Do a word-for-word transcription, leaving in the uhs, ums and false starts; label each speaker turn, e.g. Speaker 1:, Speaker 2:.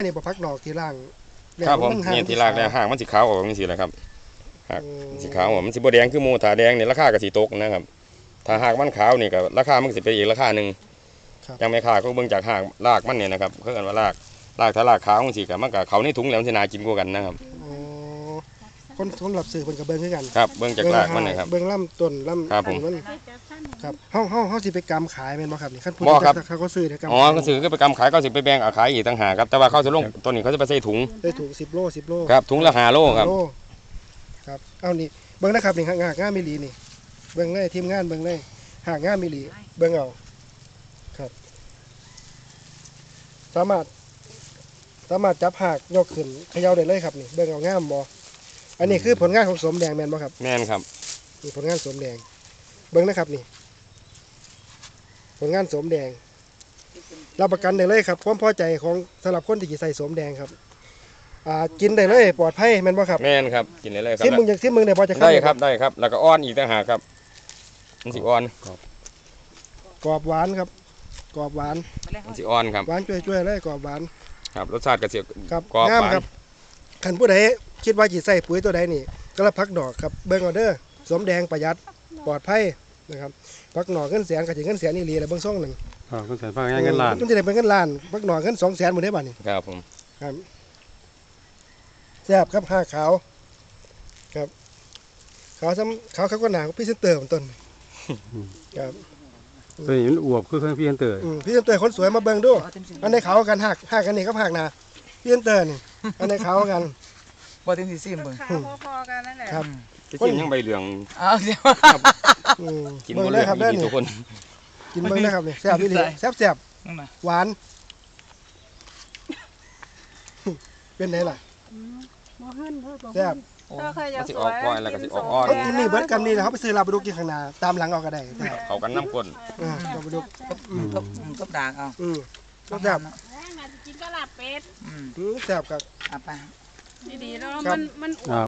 Speaker 1: นี่บ่พักดอกที่ล่าง
Speaker 2: ครับผมนี่ที่รากแล้วหางมันสีขาวออกนี่สิแหละครับหากสีขาวมันสีบแดงคือหมูถาแดงนี่ราคาก็สีตกนะครับถ้าหากมันขาวนี่ก็ราคามันสิเป็นอีกราคาหนึ่งยังไม่ขาดก็เบิ่งจากหางรากมันเนี่ยนะครับเขาเรียกว่ารากรากถ้ารากขาวมันสีกับมันกับเขาในถุงแล้วมันสิน่ากินกว่ากันนะครับ
Speaker 1: คนสำหรับสื่อคนกับเบิ้งคือกัน
Speaker 2: ครับเบิ่งจากรากมันนะครับ
Speaker 1: เบิ้งลำต้นลำ
Speaker 2: ครับผม
Speaker 1: มันครับเฮาเฮาเฮาสิไปกำขายแม่นบ่ครับนี่คันพูดเขาก็ซื้อเด้อกำ
Speaker 2: อ๋อก็ซื้อก็ไปกำขายก็สิไปแบ่งขายอีกต่างหากครับแต่ว่าเขาจะลงตัวนี้เขาจะไปใส่ถุง
Speaker 1: ได้ถุงสิบโลสิบโล
Speaker 2: ครับถุงละห้าโลครับ
Speaker 1: ครับเอานี่เบิ้งนะครับนี่หากงานมิลีนี่เบิ้งเลยทีมงานเบิ้งเลยหากงานมิลีเบิ้งเอาครับสามารถสามารถจับหากยกขึ้นเขย่าได้เลยครับนี่เบิ้งเอางามบ่อันนี้คือผลงานของสมแดงแม่นบ่ครับ
Speaker 2: แม่นครับ
Speaker 1: นี่ผลงานสมแดงเบิ้งนะครับนี่ผลงานสมแดงรับประกันได้เลยครับความพอใจของสำหรับคนที่จะใส่สมแดงครับอ่ากินได้เลยปลอดภัยแม่นบ่ครับ
Speaker 2: แม่นครับกินได้เลยครับ
Speaker 1: ที่มึงอยากที่มึงได้พอจะ
Speaker 2: ได้ครับได้ครับแล้วก็อ้อนอีกต่างหากครับมันสิอ้อน
Speaker 1: กรอบหวานครับกรอบหวาน
Speaker 2: มันสิอ้อนครับ
Speaker 1: หวานช่วยๆเลยกรอบหวาน
Speaker 2: ครับรสชาติกระเสีย
Speaker 1: ครับงามครับขันผู้ใดคิดว่าจีใส่ปุ๋ยตัวใดนี่ก็ละพักดอกครับเบิ้งออเดอร์สมแดงประหยัดปลอดภัยนะครับพักหน่อเงินแสนกับจีเงินแสนนี่ลีอะไรเบิ้งซ่องหนึ่ง
Speaker 3: ครับเงินแสนฟังง่ายเงินล้าน
Speaker 1: มันจะได้เป็นเงินล้านพักหน่อเงินสองแสนหมดได้บ้านี่
Speaker 2: ครับผม
Speaker 1: ครับแซ่บครับห้าขาวครับขาวซ้ำขาวเขาก็หนาพี่เซนเตอร์ต้นครับ
Speaker 3: ตัวนี้มันอวบคือเครื่องพี่เซนเตอร์
Speaker 1: พี่เซนเตอร์คนสวยมาเบิ้งดูอันในขาวกันหักหักกันนี่ก็หักนาพี่เซนเตอร์นี่อันในขาวกัน
Speaker 4: บ่ถึงสิซิมเบิ่ง
Speaker 5: พอๆกันนั่นแหละ
Speaker 1: ครับ
Speaker 2: กินยังใบเหลือง
Speaker 4: อ้าวเดี๋ยว
Speaker 2: กินหมดเลยครับได้ทุกคน
Speaker 1: กินเบิ่งได้ครับนี่แซ่บนี่แซ่บแซ่บหวานเป็นไงล่ะแซ่บ
Speaker 5: ถ้าใครอยากสวยกินสม
Speaker 1: เขากินนี่เบิร์ดกันนี่นะเขาไปซื้อลาบดุกกินข้างหน้าตามหลังเอาก็ได้
Speaker 2: เขากันน้ำก้น
Speaker 1: อ่าลาบดุก
Speaker 4: ก็ก็ด่างเอา
Speaker 1: อืมก็แซ่บ
Speaker 5: กินก็ลาบเป็ด
Speaker 1: อืมแซ่บครับ
Speaker 4: อ่ะไป
Speaker 5: ดีๆแล้วมันมัน